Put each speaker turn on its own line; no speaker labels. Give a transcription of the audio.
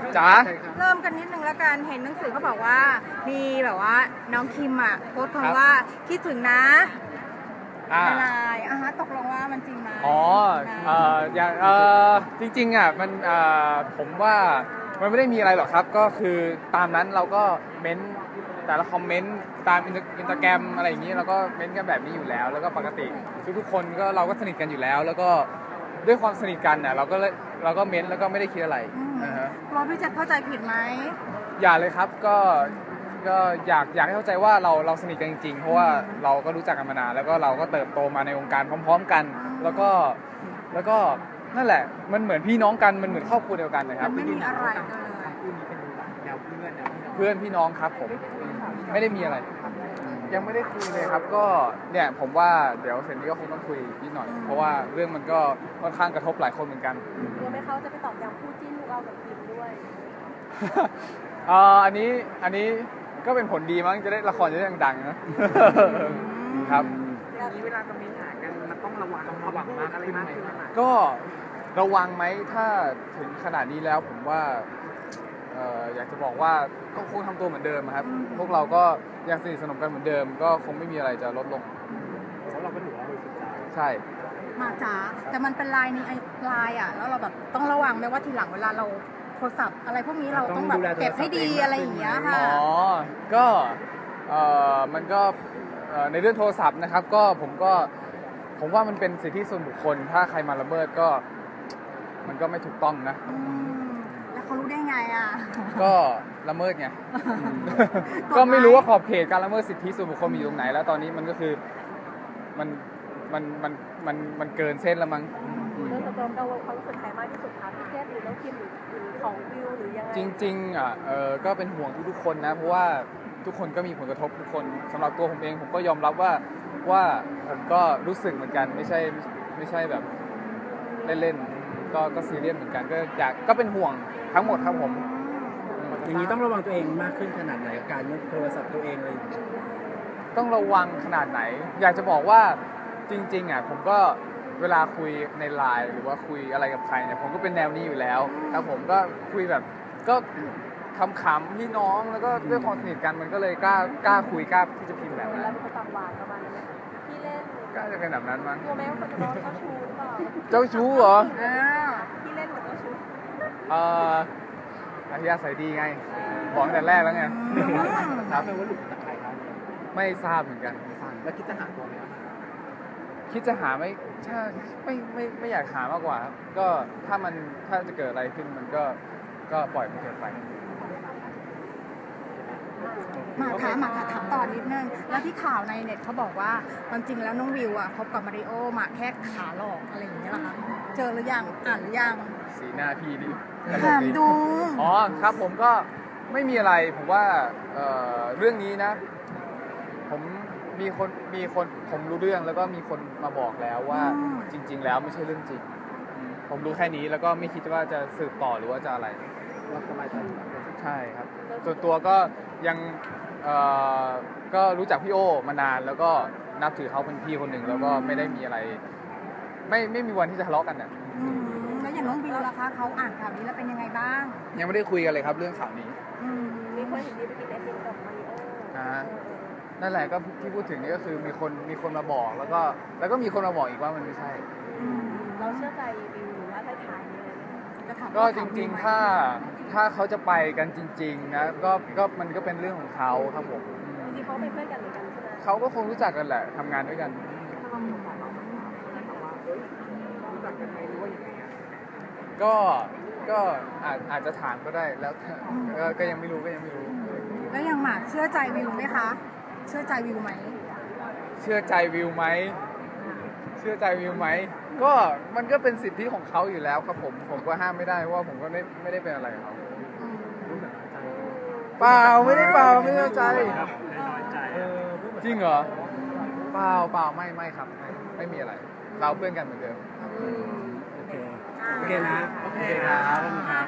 จ๋า
เริ่มกันนิดนึงแล้วกันเห็นหนังสือเขาบอกว่ามีแบบว่าน้องคิมอ่ะโพสต์คำว่าคิดถึงนะในไลน์ฮะตกลงว่ามันจริงไหม
อ๋ออย่างจริงๆอ่ะมันผมว่ามันไม่ได้มีอะไรหรอกครับก็คือตามนั้นเราก็เม้นแต่ละคอมเมนต์ตามอินสตาแกรมอะไรอย่างนี้เราก็เม้นกันแบบนี้อยู่แล้วแล้วก็ปกติทุกๆคนก็เราก็สนิทกันอยู่แล้วแล้วก็ด้วยความสนิทกันเนี่ยเราก็เม้นแล้วก็ไม่ได้คิดอะไร
กลัวพี่จะเข้าใจผิดไหม
อย่าเลยครับก็อยากให้เข้าใจว่าเราสนิทกันจริงๆเพราะว่าเราก็รู้จักกันมานานแล้วก็เราก็เติบโตมาในวงการพร้อมๆกันแล้วก็นั่นแหละมันเหมือนพี่น้องกันมันเหมือนครอบครัวเดียวกันนะครับ
ไม่มีอะไรกันเลย
เพื่อนพี่น้องครับผมไม่ได้มีอะไรยังไม่ได้คุยเลยครับก็เนี่ยผมว่าเดี๋ยวเสร็จนี้ก็คงต้องคุยนิดหน่อยเพราะว่าเรื่องมันก็ค่อนข้างกระทบหลายคนเหมือนกัน
กลัวไหมเขาจะไปตอบย้ำคู่จิ้นลูกเอากับคิมด้วย
อันนี้ก็เป็นผลดีมั้งจะได้ละครจะได้ดังๆนะครับ
อย่างนี้เวลาจะมีหากันมันต้องระวังมากอะไรมากขึ้นไหม
ก็ระวังไหมถ้าถึงขนาดนี้แล้วผมว่าอยากจะบอกว่าก็คงทำตัวเหมือนเดิมครับพวกเราก็ยังสนิทสนมกันเหมือนเดิมก็คงไม่มีอะไรจะลดลง
เพราะเราก็ถือว่าบริสุทธิ์ใจ
ใช่
มาจ๋าแต่มันเป็นไลน์อ่ะแล้วเราแบบต้องระวังไหมว่าทีหลังเวลาเราโทรศัพท์อะไรพวกนี้เราต้องแบบเก็บให้ดีอะไรอย่างเงี้ยค่ะ
อ๋อก็มันก็ในเรื่องโทรศัพท์นะครับก็ผมว่ามันเป็นสิทธิส่วนบุคคลถ้าใครมาละเมิดก็มันก็ไม่ถูกต้องนะ
แล้วเขารู้ได้ไงอ่ะ
ก็ละเมิดไงก็ไม่รู้ว่าขอบเขตการละเมิดสิทธิส่วนบุคคลมีอยู่ตรงไหนแล้วตอนนี้มันก็คือมันเกินเส้นแล้วมั้ง
เรื่องตัวเราความรู้สึกใครมากที่สุดคะพี่เจษหรือน้องคิมหรือของวิวหรือยังไง
จริงๆก็เป็นห่วงทุกคนนะเพราะว่าทุกคนก็มีผลกระทบทุกคนสำหรับตัวผมเองผมก็ยอมรับว่าผมก็รู้สึกเหมือนกันไม่ใช่แบบเล่นๆก็ซีเรียสเหมือนกันก็เป็นห่วงทั้งหมดครับผม
อย่างนี้ต้องระวังตัวเองมากขึ้นขนาดไหนการยกโทรศัพท์ตัวเองเลย
ต้องระวังขนาดไหนอยากจะบอกว่าจริงๆผมก็เวลาคุยในไลน์หรือว่าคุยอะไรกับใครเนี่ยผมก็เป็นแนวนี้อยู่แล้วครับผมก็คุยแบบก็ขำๆพี่น้องแล้วก็ด้วยความสนิทกันมันก็เลยกล้าคุยกล้าที่จะพิมพ์แบบนั้น
แล้วเป็นคนตามหวานประมาณนั้นไหมพี่เล่น
ก็จะเป็นแบบนั้นมั้ง
กลัวไหมว่าคนจะโดนเจ้าชู้หรือเปล่า
เจ้าชู้เหรอ
พี่เล่นเหมือนเจ้าชู้
อัธยาศัยดีไงบอกตั้งแต่แรกแล้วไง
ครับเป็นว่าหลุดจากใครครับ
ไม่ทราบเหมือนกัน
แล้วคิดจะหาตัวไหม
คิดจะหาไม่อยากหามากกว่าก็ถ้าจะเกิดอะไรขึ้นมันก็ปล่อยมันเกิดไป
มาถามต่อนิดนึงแล้วที่ข่าวในเน็ตเขาบอกว่าความจริงแล้วน้องวิวคบกับมาริโอมาแค่ขาหลอกอะไรอย่างเงี้ยเหรอคะเจอหรือยังอ่านหรือยัง
สีหน้าพี่นี่
ถามดู
อ๋อครับผมก็ไม่มีอะไรผมว่าเรื่องนี้นะผมมีคนผมรู้เรื่องแล้วก็มีคนมาบอกแล้วว่าจริงๆแล้วไม่ใช่เรื่องจริงผมรู้แค่นี้แล้วก็ไม่คิดว่าจะสืบต่อหรือว่าจะอะไร
ว่าสบายใจ
ใช่ครับส่วนตัวก็ยังก็รู้จักพี่โอมานานแล้วก็นับถือเขาเป็นพี่คนหนึ่งแล้วก็ไม่ได้มีอะไรไม่มีวันที่จะทะเลาะกันเนี่ย
แล้วอย่างน้องวิวล่ะคะเขาอ่านข่าวนี้แล้วเป็นยังไงบ้าง
ยังไม่ได้คุยกันเลยครับเรื่องข่าวนี้
มีคนเห็นดีไปกินไอติมกับมาริโอ
นั่นแหละก็ที่พูดถึงนี่ก็คือมีคนมาบอกแล้วก็มีคนมาบอกอีกว่ามันไม่ใช่
เราเชื่อใจวิวหรือว่าถ่ายนี่เลย
ก็จริงๆถ้าเขาจะไปกันจริงๆนะก็มันก็เป็นเรื่องของเขาครับผม
จริงๆเขาเป็นเพื่อนกันเหมือนกันใช่ไหม
เขาก็คงรู้จักกันแหละทำงานด้วยกัน
รู้จักกันไหมหรือว่าอย่างไร
ก็อาจจะถามก็ได้แล้วก็ยังไม่รู้
แล้วยังหมากเชื่อใจวิวไหมคะเชื่อใจวิวไหม
เชื่อใจวิวไหมก็มันก็เป็นสิทธิของเขาอยู่แล้วครับผมก็ห้ามไม่ได้เพราะว่าผมก็ไม่ได้เป็นอะไรกับเขาเปล่าไม่ได้ใจจริงเหรอเปล่าไม่ครับไม่มีอะไรเราเพื่อนกันเหมือนเดิม
โอเคนะโอเคครับ